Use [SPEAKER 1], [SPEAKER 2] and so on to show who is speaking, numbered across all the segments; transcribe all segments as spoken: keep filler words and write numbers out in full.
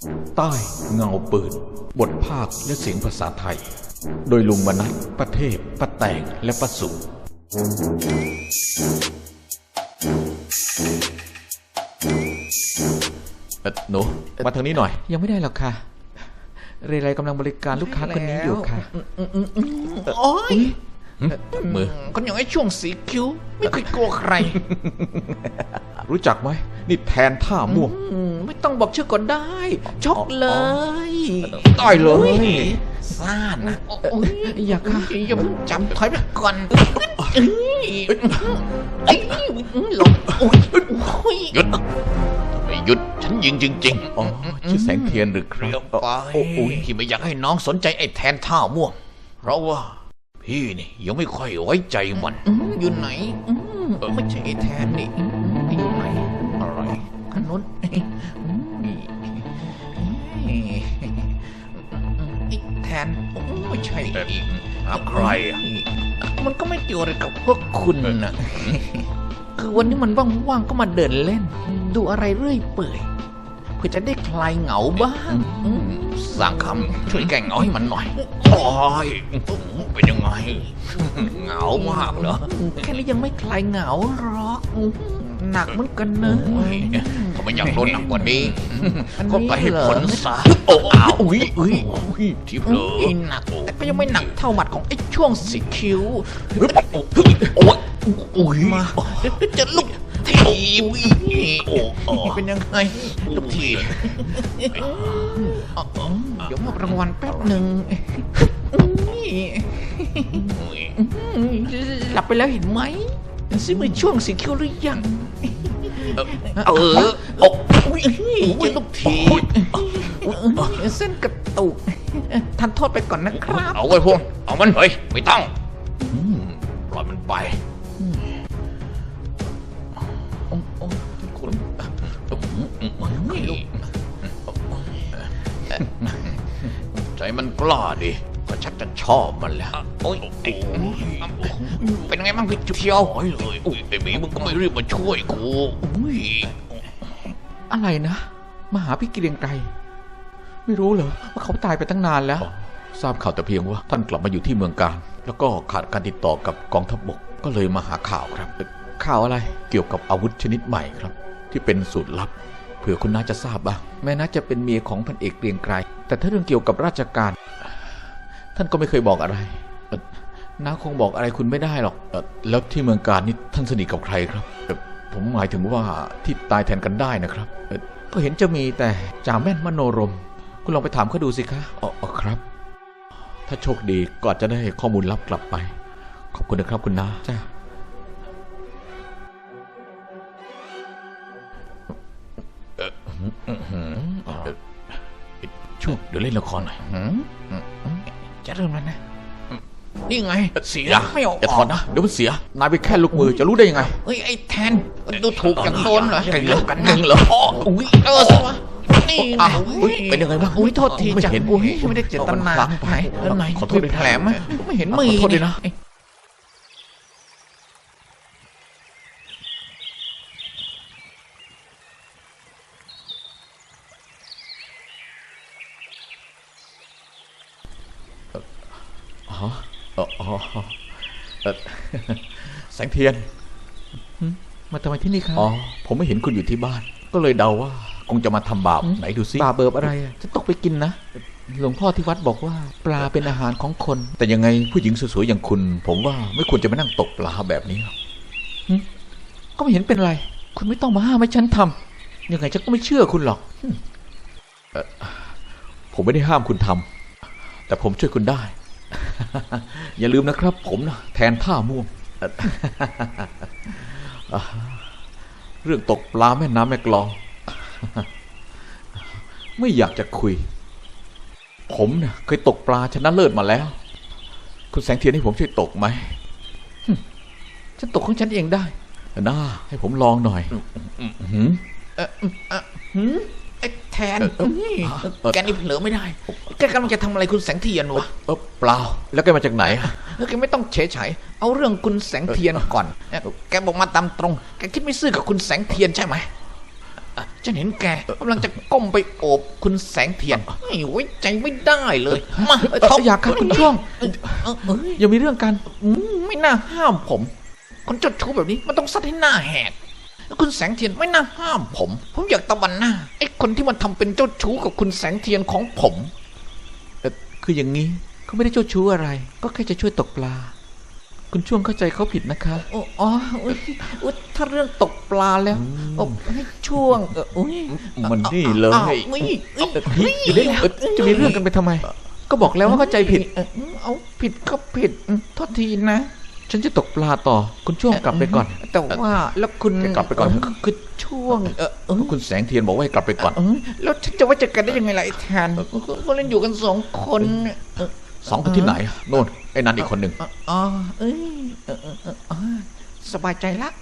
[SPEAKER 1] ใต้เงาปืนบทภาคและเสียงภาษาไทยโดยลุงมนัสประเทศป้าแตงและป้าสุเอ่อหนูมาทางนี้หน่อย
[SPEAKER 2] ยังไม่ได้หรอกค่ะเรไรกำลังบริการลูกค้าคนนี้อยู่ค่ะ
[SPEAKER 3] โอ้ย
[SPEAKER 1] มือ
[SPEAKER 3] คนอย่างไอ้ช่วงสีคิ้วไม่เคยกลัวใคร
[SPEAKER 1] รู้จักไหมนี่แทนท่าม่วง
[SPEAKER 3] ไม่ต้องบอกชื่อก็ได้ชกเลย
[SPEAKER 1] ได้เลย
[SPEAKER 3] ซ่านะ
[SPEAKER 2] อยากค่ะ
[SPEAKER 3] อย่าเพิ่งจำถอยไปก่อนหลบ
[SPEAKER 4] หยุดไม่หยุดฉันยิงจริงๆ
[SPEAKER 1] อ๋อชื่อแสงเทียนหรือครับ
[SPEAKER 4] ไปที่ไม่อยากให้น้องสนใจไอ้แทนท่าม่วงเพราะว่าพี่นี่ยังไม่ค่อยไว้ใจมัน
[SPEAKER 3] อยู่ไหนไม่ใช่ไอ้แทนนี่อยู่ไหนอะไรขนุนไอ้แทนไม่ใช่อีก
[SPEAKER 4] ใครอ่ะ
[SPEAKER 3] มันก็ไม่เกี่ยวอะไรกับพวกคุณนะคือวันนี้มันว่างๆก็มาเดินเล่นดูอะไรเรื่อยเปื่อยเพื่อจะได้คลายเหงาบ้าง
[SPEAKER 4] สร้างคำช่วยแก้เหงาให้มันหน่อยโอ้ยเป็นยังไงเหงามากเหรอ
[SPEAKER 3] แค่นี้ยังไม่คลายเหงาหรอกหนักเหมือนกันเนอะ
[SPEAKER 4] ถ้าไม่อยากโดนหนักกว่านี้ก็ไปให้ผลซะ
[SPEAKER 3] โอ้อ้าว
[SPEAKER 4] อุ้ยอุ้ยที่เผลอ
[SPEAKER 3] หนักแต่ก็ยังไม่หนักเท่าหมัดของไอ้ช่วงสีคิ้ว
[SPEAKER 4] โอ้ยอุ้ย
[SPEAKER 3] มาจะลุกทีเป็นยังไงลุกทีเดี๋ยวมอบรางวัลแป๊บหนึ่งหลับไปแล้วเห็นไหมซิมือช่วงสีคิ้วหรือยัง
[SPEAKER 4] เออโอ้ย
[SPEAKER 3] จะลุกทีเส้นกระตุกทันโทษไปก่อนนะครับ
[SPEAKER 4] เอาไว้พวกเอามันเฮ้ยไม่ต้องปล่อยมันไปใจมันกล้าดิก็ชักจะชอบมันแล้วโอ้ยเป็นไงบ้างพี่จุ๊บเชียวเลยอุ้ยไอ้หมีมึงก็ไม่รีบมาช่วยกู
[SPEAKER 2] อะไรนะมาหาพี่เกรียงไกรไม่รู้เหรอว่าเขาตายไปตั้งนานแล้ว
[SPEAKER 1] ทราบข่าวแต่เพียงว่าท่านกลับมาอยู่ที่เมืองการแล้วก็ขาดการติดต่อกับกองทัพบกก็เลยมาหาข่าวครับ
[SPEAKER 2] ข่าวอะไร
[SPEAKER 1] เกี่ยวกับอาวุธชนิดใหม่ครับที่เป็นสูตรลับเผื่อคุณน้าจะทราบบ้าง
[SPEAKER 2] แม่น้าจะเป็นเมียของพันเอกเกรียงไกรแต่ถ้าเรื่องเกี่ยวกับราชการท่านก็ไม่เคยบอกอะไรน้าคงบอกอะไรคุณไม่ได้หรอก
[SPEAKER 1] แล้วที่เมืองการนี่ท่านสนิทกับใครครับผมหมายถึงว่าที่ตายแทนกันได้นะครับ
[SPEAKER 2] ก็เห็นจะมีแต่จ่าแม่นมโนรมคุณลองไปถามเขาดูสิคะ
[SPEAKER 1] อ๋อครับถ้าโชคดีก็อาจจะได้ข้อมูลลับกลับไปขอบคุณนะครับคุณน้า
[SPEAKER 2] จ้า
[SPEAKER 1] ช่วงเดี๋ยวเล่นละครหน่อย
[SPEAKER 3] จะเริ่มแล้วนะนี่ไง
[SPEAKER 1] เสียไม่ออกอย่าถอนนะเดี๋ยวมันเสียนายไปแค่ลูกมือจะรู้ได้ยังไง
[SPEAKER 3] เฮ้ยไอ้แทนดูถูกอย่างโดนเหรอ
[SPEAKER 1] เก่งเหรอกันเก่งเหรอ
[SPEAKER 3] อุ้ยเออสิวะนี่
[SPEAKER 1] เป็นยังไงบ้าง
[SPEAKER 3] อุ้ยโทษทีจังอุ้ยไม่ได้เจตนาไหนแล้วไหน
[SPEAKER 1] ขอโทษด้วย
[SPEAKER 3] แผลไหมไม่เห็นมือ
[SPEAKER 1] โทษด้วยนะอ๋ออ๋อแสงเทียน
[SPEAKER 2] มาทำไมที่นี่ครับ
[SPEAKER 1] อ๋อผมไม่เห็นคุณอยู่ที่บ้านก็เลยเดาว่าคงจะมาทำบาปไหนดูซิ
[SPEAKER 2] บาปเบิบอะไรอ่ะจะตกไปกินนะหลวงพ่อที่วัดบอกว่าปลาเป็นอาหารของคน
[SPEAKER 1] แต่ยังไงผู้หญิงสวยๆอย่างคุณผมว่าไม่ควรจะมานั่งตกปลาแบบนี้หรอก
[SPEAKER 2] ก็ไม่เห็นเป็นไรคุณไม่ต้องมาห้ามให้ฉันทำยังไงฉันก็ไม่เชื่อคุณหรอก
[SPEAKER 1] ผมไม่ได้ห้ามคุณทำแต่ผมช่วยคุณได้อย่าลืมนะครับผมนะแทนท่าม่วงเรื่องตกปลาแม่น้ำแม่กลองไม่อยากจะคุยผมเนี่ยเคยตกปลาชนะเลิศมาแล้วคุณแสงเทียนให้ผมช่วยตกไหม
[SPEAKER 2] ฉันตกของฉันเองได้
[SPEAKER 1] น่าให้ผมลองหน่อยหืม
[SPEAKER 3] ไอ้แทนแกนี่เผลอไม่ได้แกกำลังจะทำอะไรคุณแสงเทียนวะ
[SPEAKER 1] เออเปล่าแล้วแกมาจากไหน
[SPEAKER 3] แล้วแกไม่ต้องเฉยเฉยเอาเรื่องคุณแสงเทียนก่อนแกบอกมาตามตรงแกคิดไม่ซื่อกับคุณแสงเทียนใช่ไหมฉันเห็นแกกำลังจะก้มไปโอบคุณแสงเทียนไม่ไว้ใจไม่ได้เลยมา
[SPEAKER 2] เอ่ออย่าครับคุณช่วง
[SPEAKER 3] เออเอ้ย
[SPEAKER 2] อย่ามีเรื่องกัน
[SPEAKER 3] อืมไม่น่าห้ามผม คนเจ้าชู้แบบนี้มันต้องซัดให้หน้าแหกคุณแสงเทียนไม่น่าห้ามผม ผมอยากตะวันหน้าไอ้คนที่มันทำเป็นเจ้าชู้กับคุณแสงเทียนของผม
[SPEAKER 2] เอ่อคืออย่างนี้เขาไม่ได้เจ้าชู้อะไร ก็แค่จะช่วยตกปลา คุณช่วงเข้าใจเขาผิดนะคะ
[SPEAKER 3] อ๋ออ๋ออุ๊ยอุ๊ยถ้าเรื่องตกปลาแล้วโอ้ให้ช่วงเอออุ้ย
[SPEAKER 2] มันนี่เลย
[SPEAKER 3] อ้าวอุ้ยอุ้ย
[SPEAKER 2] เอ่อนี่อยู่ได้เอ่อจะมีเรื่องกันไปทำไม ก็บอกแล้วว่าเข้าใจผิด
[SPEAKER 3] เออเอาผิดก็ผิดอืมโทษทีนะ
[SPEAKER 2] ฉันจะตกปลาต่อ คุณช่วงกลับไปก่อน
[SPEAKER 3] แต่ว่าแล้วคุณ
[SPEAKER 2] แกกลับไปก่อน
[SPEAKER 3] เคือช่วงเออเออ
[SPEAKER 2] คุณแสงเทียนบอกว่าให้กลับไปก่อน
[SPEAKER 3] เออแล้วฉันจะไว้ใจกันได้ยังไงล่ะไอ้แทนก็เล่นอยู่กันสองคนเออ
[SPEAKER 2] สองคนที่ไหนโน่นไอ้นันอีกคนหนึ่ง
[SPEAKER 3] อ๋อเอ้ยเออเออเออเออสบายใจละ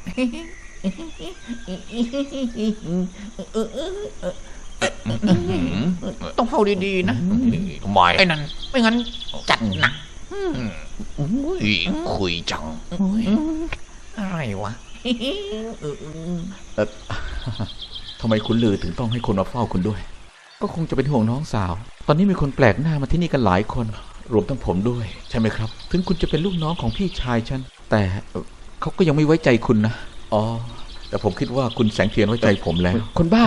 [SPEAKER 3] ต้องเฝ้าดีๆนะ
[SPEAKER 4] ทำไม
[SPEAKER 3] ไอ้นั่นไม่งั้นจัดหนัก
[SPEAKER 4] อุ้ยคุยจัง
[SPEAKER 3] อะไรวะ
[SPEAKER 2] เอ่อ ทำไมคุณลือถึงต้องให้คนมาเฝ้าคุณด้วย ก็คงจะเป็นห่วงน้องสาว ตอนนี้มีคนแปลกหน้ามาที่นี่กันหลายคน รวมทั้งผมด้วย ใช่ไหมครับ ถึงคุณจะเป็นลูกน้องของพี่ชายฉัน แต่เอ่อเขาก็ยังไม่ไว้ใจคุณนะ อ๋อ แต่ผมคิดว่าคุณแสงเทียนไว้ใจผมแล้ว คนบ้า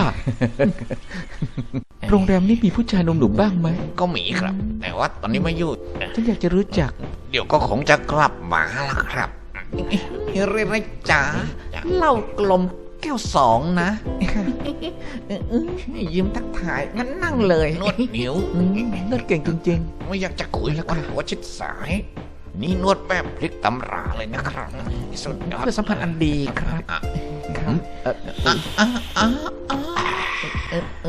[SPEAKER 2] โรงแรมนี้มีผู้ชายหนุ่มๆบ้างไหม
[SPEAKER 4] ก็มีครับ แต่ว่าตอนนี้ไม่อยู่
[SPEAKER 2] ฉันอยากจะรู้จัก
[SPEAKER 4] เดี๋ยวก็คงจะกลับมาละครับ
[SPEAKER 3] เรไรจ๋าเหล้ากลมแก้วสองนะยิ้มทักทายงั้นนั่งเลย
[SPEAKER 4] นวดนิ้ว
[SPEAKER 2] อืมน่าเก่งจริง
[SPEAKER 4] ไม่อยากจะคุยแล้วก็หัวชิดสาย นี่นวดแบบพลิกตำราเลยนะครับสุดยอด
[SPEAKER 3] เพื่อสัมพันธ์อันดีครับ
[SPEAKER 4] อ่ะ
[SPEAKER 3] ครับ
[SPEAKER 2] ๆเอ่อ
[SPEAKER 3] อ่ะอ่ะอ่ะอ่ะเออเอ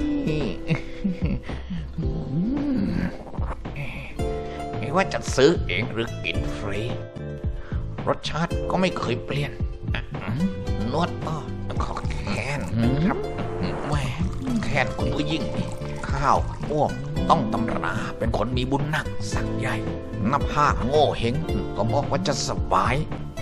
[SPEAKER 3] อ
[SPEAKER 4] ไม่ว่าจะซื้อเองหรือกินฟรี รสชาติก็ไม่เคยเปลี่ยนอ่ะอืมนวดก็ขอแค้นนะครับแหมแค้นคุณผู้ยิ่งนี่ข้าวอ้วมต้องตำราเป็นคนมีบุญหนักสักใหญ่หน้าผากโง่เฮงก็บอกว่าจะสบาย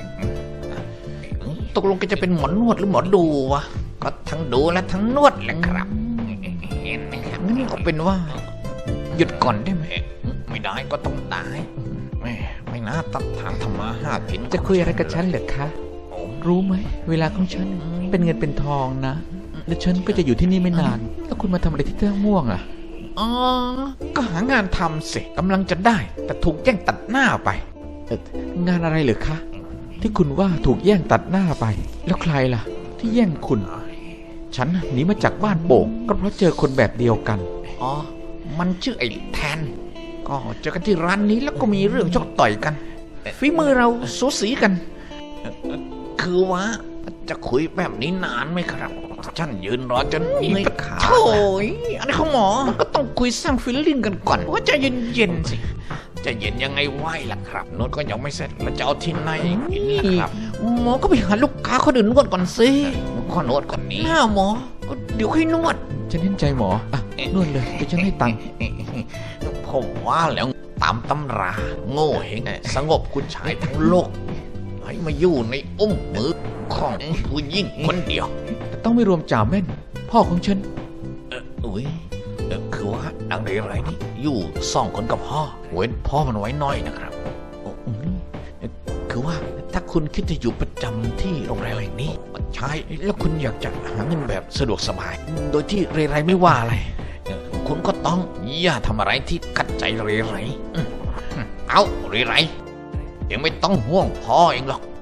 [SPEAKER 3] ตกลงแกจะเป็นหมอนวดหรือหมอดูวะ
[SPEAKER 4] ก็ทั้งดูและทั้งนวดแหละครับเห็นไหมครับ
[SPEAKER 3] งั้นก็เป็นว่า หยุดก่อนได้ไหม
[SPEAKER 4] ไม่ได้ก็ต้องตายแม่ไม่น่าตัดทางธรรมาหากิน
[SPEAKER 2] จะคุยอะไรกับฉันเหรอคะ รู้ไหม เวลาของฉันเป็นเงินเป็นทองนะ และฉันก็จะอยู่ที่นี่ไม่นาน แล้วคุณมาทำอะไรที่ท่าม่วงอ่ะ
[SPEAKER 3] อ๋อ ก็หางานทำสิกำลังจะได้ แต่ถูกแย่งตัดหน้าไป
[SPEAKER 2] เอ่องานอะไรเหรือคะ ที่คุณว่าถูกแย่งตัดหน้าไป แล้วใครล่ะ ที่แย่งคุณ ฉันน่ะหนีมาจากบ้านโป่งก็เพราะเจอคนแบบเดียวกัน
[SPEAKER 3] อ๋อ มันชื่อไอ้แทน ก็เจอกันที่ร้านนี้แล้วก็มีเรื่องชกต่อยกันฝีมือเราสูสีกัน
[SPEAKER 4] คือว่าจะคุยแบบนี้นานไหมครับฉันยืนรอจนมีปัญหา
[SPEAKER 3] โถ่ยอันนี้ของหมอ มันก็ต้องคุยสร้างฟีลลิ่งกันก่อน ว่าใจะเย็นๆสิ
[SPEAKER 4] จะเย็นยังไงไหวล่ะครับนวดก็ยังไม่เสร็จแล้วจะเอาที่ไหนกินล่ะครับ
[SPEAKER 3] หมอก็ไปหาลูกค้าคนอื่นนวดก่อนสิ
[SPEAKER 4] ข้อนวดคนนี้
[SPEAKER 3] หน้าหมอ เดี๋ยวค่อยนวด
[SPEAKER 2] ฉันเห็นใจหมอ อ่ะ นวดเลยเดี๋ยวฉันให้ตังค์
[SPEAKER 4] ผมว่าแล้วตามตำราโง่เฮงสงบคุณชายทั้งโลก ให้มาอยู่ในอุ้มมือของผู้ยิ่งคนเดียว
[SPEAKER 2] แต่ต้องไม่รวมจ่าแม่น พ่อของฉัน
[SPEAKER 4] เอออุ้ยเออคือว่าดังไรไรนี่อยู่สองคนกับพ่อ เว้นพ่อมันไว้น้อยนะครับโอ้อืมเอ่อคือว่าถ้าคุณคิดจะอยู่ประจำที่โรงแรมแห่งนี้ใช่แล้วคุณอยากจะหาเงินแบบสะดวกสบาย โดยที่เรไรไม่ว่าอะไรเอ่อคุณก็ต้องอย่าทำอะไรที่ขัดใจเรไรอืมเอาเรไรยังไม่ต้องห่วงพ่อเองหรอก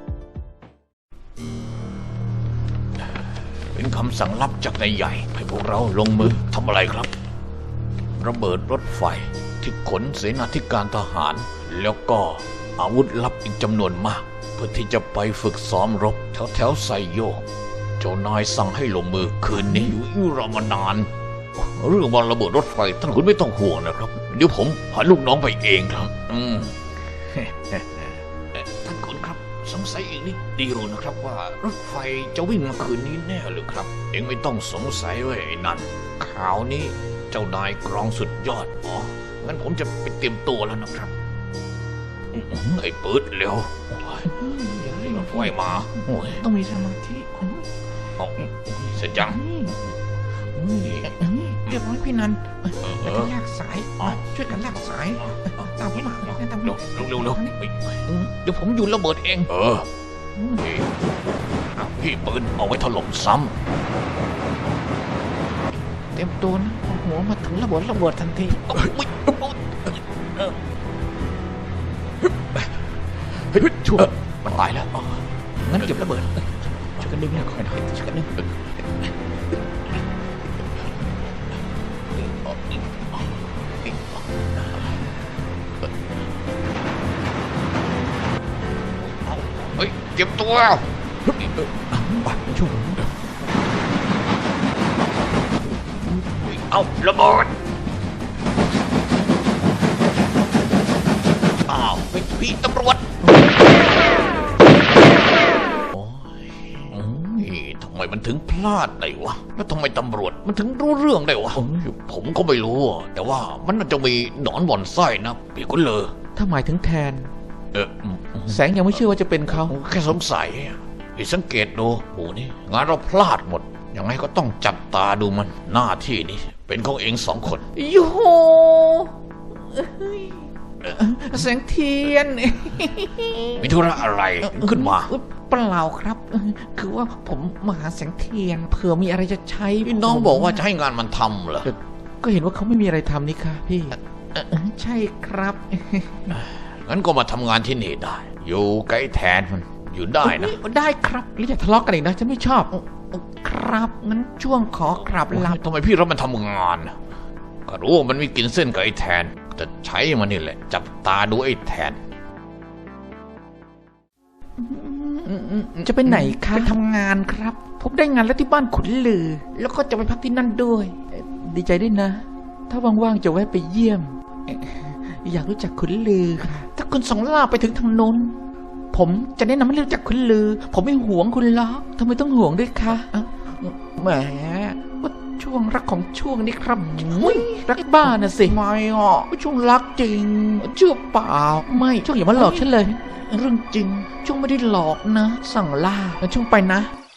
[SPEAKER 4] เป็นคำสั่งลับจากนายใหญ่ให้พวกเราลงมือทำอะไรครับ ระเบิดรถไฟที่ขนเสนาธิการทหาร แล้วก็อาวุธลับอีกจำนวนมาก เพื่อที่จะไปฝึกซ้อมรบแถวแถวๆไซโยก เจ้านายสั่งให้ลงมือคืนนี้อยู่อยู่รอมานาน เรื่องวันระเบิดรถไฟท่านคุณไม่ต้องห่วงนะครับ เดี๋ยวผมพาลูกน้องไปเองครับ อืม ท่านคุณครับสงสัยอีกนิดเดียวนะครับว่ารถไฟจะวิ่งมาคืนนี้แน่หรือครับ เองไม่ต้องสงสัยเว้ยไอ้นั่นข่าวนี้เจ้านายกรองสุดยอดอ๋องั้นผมจะไปเตรียมตัวแล้วนะครับอื้อหือไอ้ปืดเร็วโอ้ยรถไฟมาโอ้ย
[SPEAKER 3] ต้องมีสมาธิ
[SPEAKER 4] โเอาเสร็จยัง
[SPEAKER 3] เรียบร้อยพี่นันแล้วก็ลากสายช่วยกันลากสายตามผมมาตามผม
[SPEAKER 4] เร็วเร็วเร็ว
[SPEAKER 3] เดี๋ยวผมอยู่ระเบิดเอง
[SPEAKER 4] เออพี่พี่ปืนเอาไว้ถล่มซ้
[SPEAKER 3] เต็มตัวนะหัวมาถึงระเบิดระเบิดทันที
[SPEAKER 4] ำเฮ้ยช่วยมันตายแล้ว
[SPEAKER 3] งั้นเก็บระเบิดช่วยกันดึงหน่อยค่อยหน่อยช่วยกันดึง
[SPEAKER 4] เฮ้ยเก็บตัว
[SPEAKER 2] ไปช่วยผม
[SPEAKER 4] เอาระเบิดอ้าวเฮ้ยพี่ตำรวจโอ้ยโอ้ยทำไมมันถึงพลาดได้วะแล้วทำไมตำรวจมันถึงรู้เรื่องได้วะผมก็ไม่รู้อะแต่ว่ามันน่าจะมีหนอนบ่อนไส้นะพี่กุนเลอ
[SPEAKER 2] ถ้าหมายถึงแทน
[SPEAKER 4] เอออืมอืม
[SPEAKER 2] แสงยังไม่เชื่อว่าจะเป็นเขา
[SPEAKER 4] แค่สงสัยอะพี่สังเกตดูโอ้นี่งานเราพลาดหมดยังไงก็ต้องจับตาดูมันหน้าที่นี้เป็นของเองสองคน
[SPEAKER 3] โย่แสงเทียน
[SPEAKER 4] มีธุระอะไรขึ้นมา
[SPEAKER 3] เปล่าครับ คือว่าผมมาหาแสงเทียนเผื่อมีอะไรจะใช้
[SPEAKER 4] พี่น้องบอกว่าจะให้งานมันทำเหรอ
[SPEAKER 2] ก็เห็นว่าเขาไม่มีอะไรทำนี่ค่ะพี่
[SPEAKER 3] เอ่อใช่ครับ
[SPEAKER 4] งั้นก็มาทำงานที่นี่ได้ อยู่ใกล้แทนมันอยู่ได้นะ
[SPEAKER 3] ได้ครับ
[SPEAKER 2] แล้วอย่าทะเลาะกันอีกนะฉันไม่ชอบ
[SPEAKER 3] ครับงั้นช่วงขอกลับลา
[SPEAKER 4] ทำไมพี่รับมันทำงานน่ะก็รู้ว่ามันมีกินเส้นกับไอ้แทนแต่ใช้มันนี่แหละ จับตาดูไอ้แทน
[SPEAKER 2] จะไปไหนคะ
[SPEAKER 3] ไปทำงานครับ ผมได้งานแล้วที่บ้านขุนลือ แล้วก็จะไปพักที่นั่นด้วย
[SPEAKER 2] ดีใจด้วยนะ ถ้าว่างๆจะแวะไปเยี่ยม อยากรู้จักขุนลือค่ะ
[SPEAKER 3] ถ้าคุณสองล่าไปถึงทางโน้นผมจะแนะนำให้รู้จักขุนลือ ผมไม่หวงคุณหรอก
[SPEAKER 2] ทำไมต้องห่วงด้วยคะ
[SPEAKER 3] เอ้าแหมก็ช่วงรักของช่วงนี้ครับ
[SPEAKER 2] อุ๊ยรักบ้าน่ะสิ
[SPEAKER 3] ไม่อ่ะช่วงรักจริงเชื่อเปล่าไม่
[SPEAKER 2] ช่วงอย่ามาหลอกฉันเลย
[SPEAKER 3] เรื่องจริงช่วงไม่ได้หลอกนะ สั่งล่าแล้วช่วงไปนะ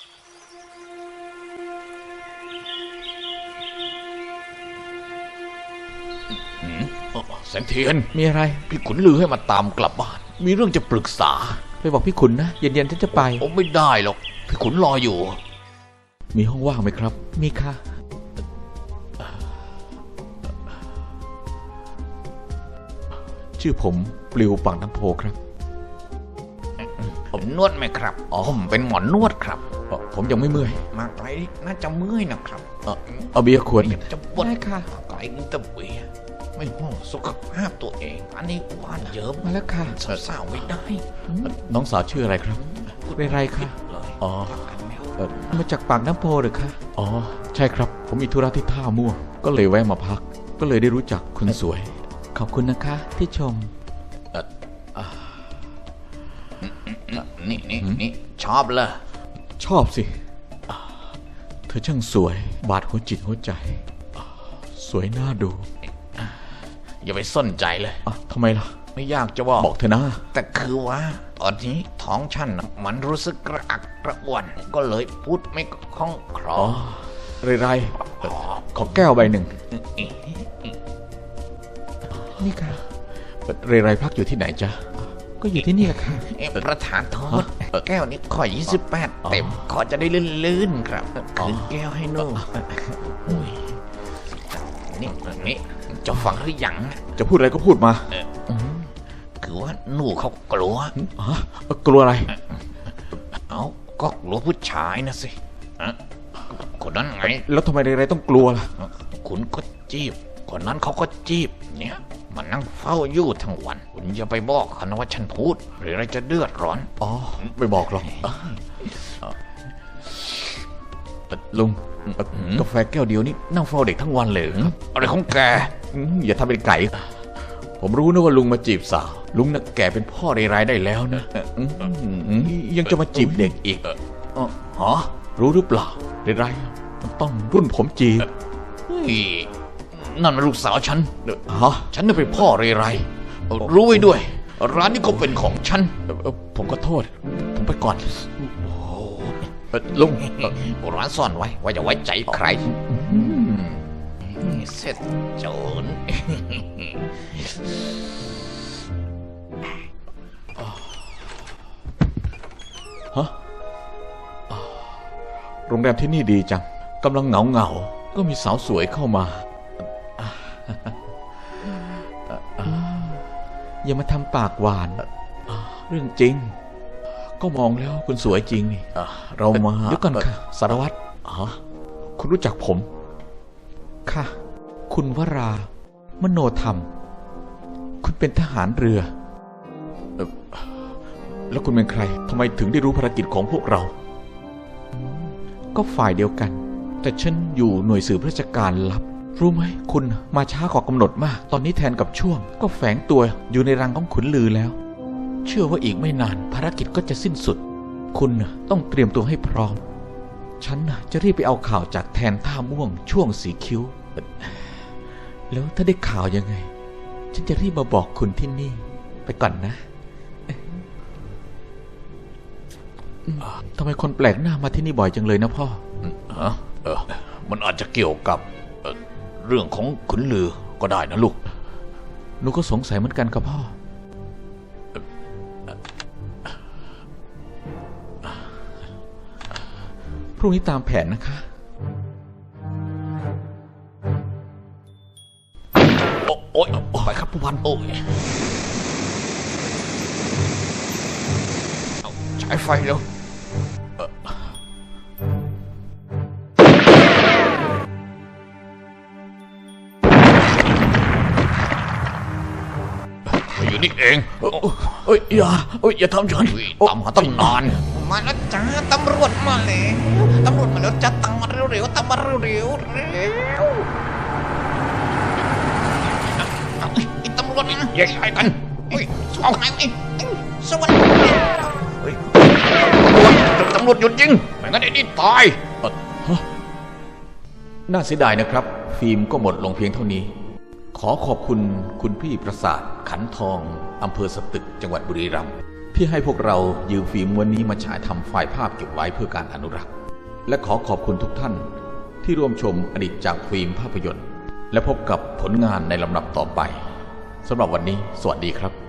[SPEAKER 4] อืมเอ่อแสงเทียน
[SPEAKER 2] มีอะไร
[SPEAKER 4] พี่ขุนลือให้มาตามกลับบ้าน มีเรื่องจะปรึกษา
[SPEAKER 2] ไปบอกพี่ขุนนะ เย็นๆฉันจะไป
[SPEAKER 4] ผมไม่ได้หรอก พี่ขุนรออยู่
[SPEAKER 2] มีห้องว่างไหมครับ มีค่ะ ชื่อผมปลิวปากน้ำโพครับ
[SPEAKER 3] ผมนวดไหมครับอ๋อผมเป็นหมอนวดครับ
[SPEAKER 2] เอ่อผมยังไม่เมื่อย
[SPEAKER 3] มาไกลน่าจะเมื่อยนะครับ
[SPEAKER 2] เอ่อเอาเบียร์ขวดหนึ่ง
[SPEAKER 3] จะปวด
[SPEAKER 2] ได้ค่ะ
[SPEAKER 3] ไกลกินแตะเบียร์ไม่ห่วงสุขภาพตัวเอง อันนี้ว่านเยิ้ม
[SPEAKER 2] มาแล้วค่ะ
[SPEAKER 3] สาวๆไม่ได้
[SPEAKER 2] น้องสาวชื่ออะไรครับเรไรค่ะ
[SPEAKER 3] เลย
[SPEAKER 2] อ๋อ
[SPEAKER 3] พักกันไม่เอา
[SPEAKER 2] เอ่อมาจากปากน้ำโพหรือคะอ๋อ ใช่ครับ ผมมีธุระที่ท่าม่วง ก็เลยแวะมาพัก ก็เลยได้รู้จักคุณสวย ขอบคุณนะคะที่ชม
[SPEAKER 3] นี่นี่นี่ชอบเลย
[SPEAKER 2] ชอบสิอ่าเธอช่างสวย บาดหัวจิตหัวใจอ่าสวยน่าดู
[SPEAKER 3] อย่าไปสนใจเลย
[SPEAKER 2] อ่ะทำไมล่ะ
[SPEAKER 3] ไม่อยากจะบอก
[SPEAKER 2] บอกเธอนะ
[SPEAKER 3] แต่คือว่า ตอนนี้ท้องฉันน่ะมันรู้สึกกระอักกระอ่วน ก็เลยพูดไม่คล่องคลอ
[SPEAKER 2] อ๋อ เรไรเอ่อขอแก้วใบหนึ่ง นี่ค่ะ เรไรพักอยู่ที่ไหนจ๊ะ ก็อยู่ที่นี่แหละค่ะ
[SPEAKER 3] เอ๊ะประธานโทษแก้วนี้ขอยี่สิบแปดเต็ม ขอจะได้ลื่นๆครับคืนแก้วให้หนูอุ้ยนี่นี่จะฟังหรือยัง
[SPEAKER 2] จะพูดอะไรก็พูดมา
[SPEAKER 3] คือว่าหนูเขากลัว
[SPEAKER 2] อ๋อ กลัวอะไร
[SPEAKER 3] เอาก็กลัวผู้ชายนะสิอะคนนั้นไง
[SPEAKER 2] แล้วทำไมเรไรต้องกลัวล่ะ
[SPEAKER 3] คุณก็จีบ คนนั้นเขาก็จีบ เนี่ยมันนั่งเฝ้าอยู่ทั้งวัน คุณอย่าไปบอกเขานะว่าฉันพูด หรืออะไรจะเดือดร้อน
[SPEAKER 2] อ๋อ ไม่บอกหรอกเอ่อเอ่อลุงเอ่อกาแฟแก้วเดียวนี่นั่งเฝ้าเด็กทั้งวันเลยเหรอครับ
[SPEAKER 3] อะไรของแก
[SPEAKER 2] อืมอย่าทำเป็นไก่ ผมรู้นะว่าลุงมาจีบสาว ลุงน่ะแก่เป็นพ่อในรายได้แล้วนะอืมอืมยังจะมาจีบเด็กอีก
[SPEAKER 3] เออฮะ
[SPEAKER 2] รู้หรือเปล่าในไรมันต้องรุ่นผมจีบ
[SPEAKER 3] เฮ้ยนั่นมันลูกสาวฉัน
[SPEAKER 2] ฮะ
[SPEAKER 3] ฉันน่ะเป็นพ่อเรไรรู้ไว้ด้วย ร้านนี้ก็เป็นของฉัน
[SPEAKER 2] เอ่อเอ่อผมก็โทษ ผมไปก่อนเอ่อลุง
[SPEAKER 3] โบราณซ่อนไว้ว่าอย่าไว้ใจใครเสร็จโจร
[SPEAKER 2] ฮะโรงแรมที่นี่ดีจังกำลังเหงาเหงาๆก็มีสาวสวยเข้ามาอย่ามาทำปากหวานเรื่องจริงก็มองแล้วคุณสวยจริงนี่เรามาเดี๋ยวก่อนค่ะสารวัตรฮะคุณรู้จักผมค่ะคุณวรามโนธรรมคุณเป็นทหารเรือเอ่อแล้วคุณเป็นใครทำไมถึงได้รู้ภารกิจของพวกเราก็ฝ่ายเดียวกันแต่ฉันอยู่หน่วยสืบราชการลับรู้ไหมคุณมาช้ากว่ากำหนดมากตอนนี้แทนกับช่วงก็แฝงตัวอยู่ในรังของขุนลือแล้วเชื่อว่าอีกไม่นานภารกิจก็จะสิ้นสุดคุณต้องเตรียมตัวให้พร้อมฉันจะรีบไปเอาข่าวจากแทนท่าม่วงช่วงสีคิ้วแล้วถ้าได้ข่าวยังไงฉันจะรีบมาบอกคุณที่นี่ไปก่อนนะทำไมคนแปลกหน้ามาที่นี่บ่อยจังเลยนะพ่อ
[SPEAKER 4] ฮะเออมันอาจจะเกี่ยวกับเอ่อเรื่องของขุนลือก็ได้นะลูก
[SPEAKER 2] หนูก็สงสัยเหมือนกันครับพ่อพรุ่งนี้ตามแผนนะคะ
[SPEAKER 4] โอ๊ยไปครับผู้พันโอ้ยใช้ไฟเร็วอยู่นี่เองเอ้ยอย่าเอ้ยอย่าทำฉันตามหาตั้งนาน
[SPEAKER 3] มาแล้วจ้าตำรวจมาแล้วตำรวจมาแล้วจ้าตามมาเร็วๆตามมาเร็วๆเร็วไอ้ตำรวจนี่
[SPEAKER 4] แยกย้ายกัน
[SPEAKER 3] เฮ้ยเอาไหนไอ้สวัสดี
[SPEAKER 4] เฮ้ยตำรวจหยุดยิงไม่งั้นไอ้นี่ตาย
[SPEAKER 2] น่าเสียดายนะครับฟิล์มก็หมดลงเพียงเท่านี้ขอขอบคุณคุณพี่ประสาทขันทองอำเภอสตึกจังหวัดบุรีรัมย์ที่ให้พวกเรายืมฟิล์มวันนี้มาฉายทำไฟล์ภาพเก็บไว้เพื่อการอนุรักษ์และขอขอบคุณทุกท่านที่ร่วมชมอดีตจากฟิล์มภาพยนตร์และพบกับผลงานในลำดับต่อไปสำหรับวันนี้สวัสดีครับ